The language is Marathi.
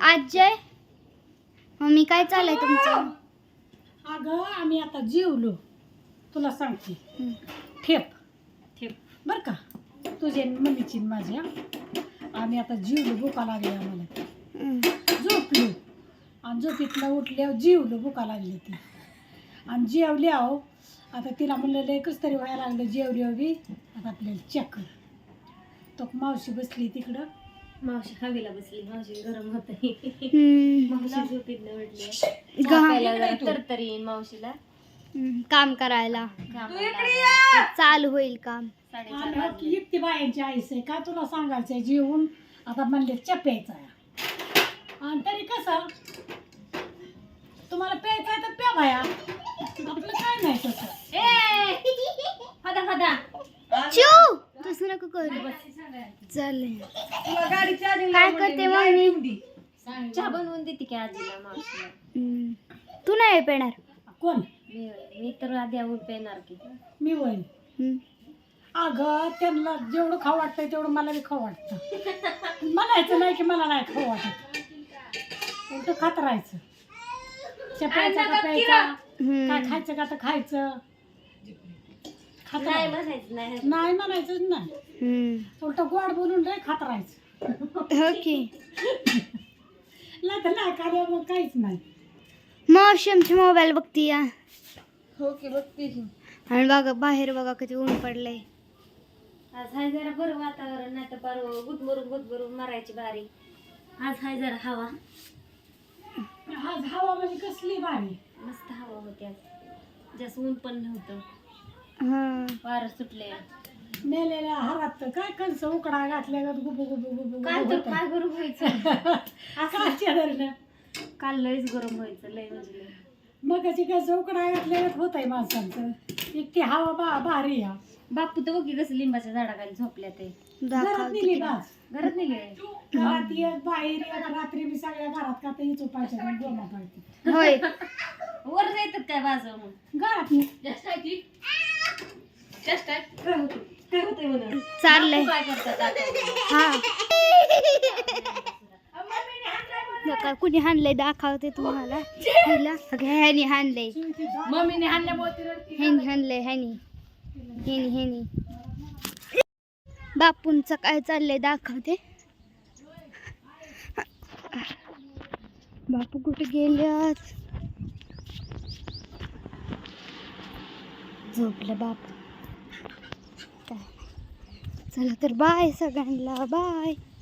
आजय मम्मी काय चाललंय तुमचं? अगं आम्ही आता जेवलो, तुला सांगते. ठेप ठेप बर का, तुझे मम्मीची न माझ्या. आम्ही आता जेवलो, भुका लागली आम्हाला. झोपलो आणि झोपेतनं उठल्यावर जेवलो, भुका लागली ती. आणि जेवली आहो. आता तिला म्हणलं लय कसं तरी व्हायला लागलं जेवली बी. आता आपल्याला चक्कर. तो मावशी बसली तिकडं. मावशी हवेला बसली, मावशी गरम होत. मावशी झोपेतनं उठली. तरतरी येईन मावशीला काम करायला, चालू होईल काम. 4:30 एकटी बायांची आईस आहे का तुला सांगायचंय. जेवून आता म्हणले च्या प्यायचा आहे. आणि तरी कसं तुम्हाला प्यायचं आहे तर प्या बाया, आपलं काय नाही तसं. फदा फदा चिऊ तसं नको करू. चालेल काय करते मम्मी? चहा बनवून देते की आजीला मावशीला. तू नाही पेणार? कोण? मी तर आधी आवड पेणार की. मी होईल. अगं त्यांना जेवढं खाऊ वाटतंय तेवढं मला बी खाऊ वाटतं. म्हणायचं नाही की मला नाही खाऊ वाटत, उलट खात राहायचं. प्यायचा का प्यायचा, काय खायचं का तर खायचं. नाही म्हणायचं नाही. नाही म्हणायचंच नाही, उलट गोड बोलून रे खात राहायचं. ओके. नाही तर नाही कार्य मग काहीच नाही. मावशी आमची मोबाईल बघती या. हो की बघते. आणि बघा बाहेर बघा किती ऊन पडलंय. आज हाय जरा बरं वातावरण, नाही तर पार गुदमरून मारायची बारी. आज हाय जरा हवा, आज हवा म्हणजे कसली भारी, मस्त हवा होती आज. जास्त ऊन पण नव्हतं, हा वारं सुटले. मेलेल्या हारात तर काय कणस उकडा घातल्या गुबू गुबू गुबू काय तर काय गरम व्हायचं असं. काल लयच गरम व्हायचं, लय म्हणजे लय. मग कस उकडा घातल्या होत आहे माणसांचं. इतकी हवा भारी या. बापू तर बघी कसं लिंबाच्या झाडाखाली झोपल्या ते. घरात नेली बास, घरात नाही घरात एक बाहेर एक, रात्री मी सगळ्या घरात का तर चोपायच्या गोमा पडते. होय वर जायतात काय बाजू मग घरात काय होतंय म्हणून चाललंय. काय करतात हा नका कुणी हाणलंय दाखवते तुम्हाला. ह्यानी हाणलंय, मम्मीने हाणल्यामुळे ह्यानी हाणलंय, ह्यानी बापूंचं काय चाललंय दाखवते. बापू कुठे गेल्यात? झोपलं बापू. चला तर बाय सगळ्यांना, बाय.